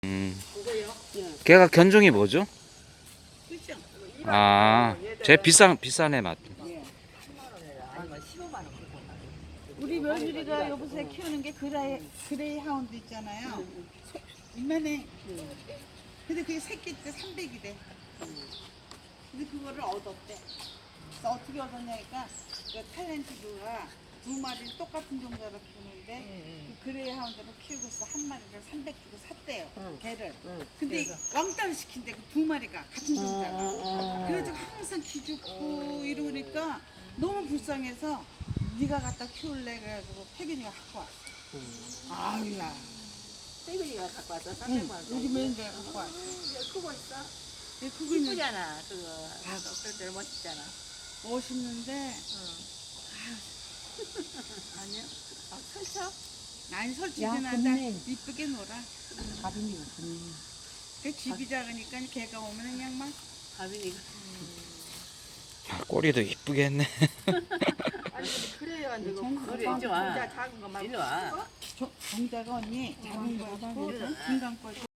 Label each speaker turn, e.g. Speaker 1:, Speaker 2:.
Speaker 1: 그거요?
Speaker 2: 걔가 견종이 뭐죠?
Speaker 1: 그죠?
Speaker 2: 아, 비싸네 맛.
Speaker 1: 예. 아니면 15만 원. 우리 며느리가 여기서 키우는 게 그레이 하운드 있잖아요. 이만해. 근데 그게 새끼 때 300이래. 근데 그거를 얻었대. 그래서 어떻게 얻었냐니까 그 탤런티드가 두 마리를 똑같은 종자로 키우는데 그 그레이 하운드를 키우고 있어. 한 마리를 300 주고 샀대요. 개를. 근데 왕따를 시킨대. 그 두 마리가 같은 종자가. 그래가지고 항상 기죽고 이러니까 너무 불쌍해서 네가 갖다 키울래 그래가지고 태균이가 갖고 왔어. 아유야.
Speaker 3: 태균이가 갖고 와서 300만 원.
Speaker 1: 우리 며느리가 갖고 왔어.
Speaker 3: 크고 있어.
Speaker 1: 얘 크고 있는
Speaker 3: 이쁘잖아. 그거. 그럴 멋있잖아.
Speaker 1: 멋있는데
Speaker 3: 아니요? 아, 설쳐?
Speaker 1: 아니 설치진
Speaker 4: 야,
Speaker 1: 않아.
Speaker 4: 근데
Speaker 1: 이쁘게 놀아.
Speaker 4: 가빈이가 좋네.
Speaker 1: 그 집이 작으니까 걔가 오면 그냥 막
Speaker 3: 가빈이가.
Speaker 2: 꼬리도 이쁘게 했네.
Speaker 3: 아니, 그래요. 안 되고.
Speaker 4: 괜찮아.
Speaker 3: 그래, 이리 와. 작은 거 말고. 이리 와.
Speaker 1: 종자가 언니 작은 거 있고 중간 거 있고